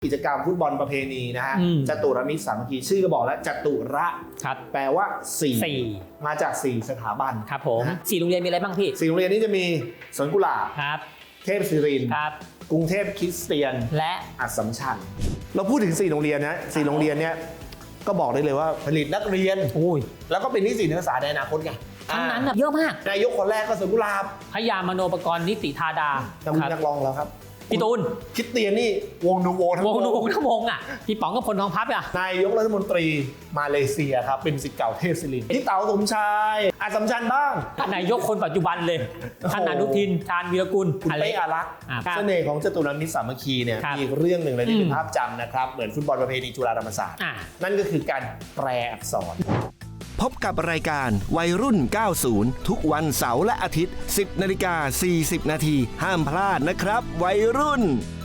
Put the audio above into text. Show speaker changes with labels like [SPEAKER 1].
[SPEAKER 1] กิจกรรมฟุตบอลประเพณีนะฮะจตุรมิตรสามัคคีชื่อก็บอกแล้วจตุระแปลว่า4มาจาก4สถาบัน
[SPEAKER 2] ครับผม4โรงเรียนมีอะไรบ้างพี่
[SPEAKER 1] 4โรงเรียนนี้จะมีสวนกุหลาบ
[SPEAKER 2] ครับ
[SPEAKER 1] เทพศิรินทร์กรุงเทพคริสเตียน
[SPEAKER 2] และ
[SPEAKER 1] อัสสัมชัญเราพูดถึง4โรงเรียนนะ4โรงเรียนเนี้ยก็บอกได้เลยว่าผลิตนักเรียนแล้วก็เป็นนิสิตนักศึกษาในอนาคตไง
[SPEAKER 2] ทั้งนั้นเยอะมาก
[SPEAKER 1] นายกคนแรกก็สวนกุหลาบ
[SPEAKER 2] พยามโนปกรณ์นิติธาดา
[SPEAKER 1] นักร้องแล้วครับ
[SPEAKER 2] พี่ตูน
[SPEAKER 1] คริสเตียนนี่วงนูโวทั้ง
[SPEAKER 2] วงอ่ะพี่ป๋องกับพลทองพับอ่ะ
[SPEAKER 1] นายกรัฐมนตรีมาเลเซียครับเป็นศิษย์เก่าเทพศิรินทร์พี่เต๋าสมชายอัสสัมชัญบ้าง
[SPEAKER 2] นายกคนปัจจุบันเลยท่านอนุทินชาญวีรกุล
[SPEAKER 1] คุณเป้อารักษ์เสน่ห์ของจตุรมิตรสามัคคีเนี่ยมีอีกเรื่องหนึ่งเลยที่เป็นภาพจำนะครับเหมือนฟุตบอลประเพณีจุฬาธรรมศาสตร์นั่นก็คือการแปลอักษร
[SPEAKER 3] พบกับรายการวัยรุ่น 90 ทุกวันเสาร์และอาทิตย์ 10:40 น.ห้ามพลาดนะครับวัยรุ่น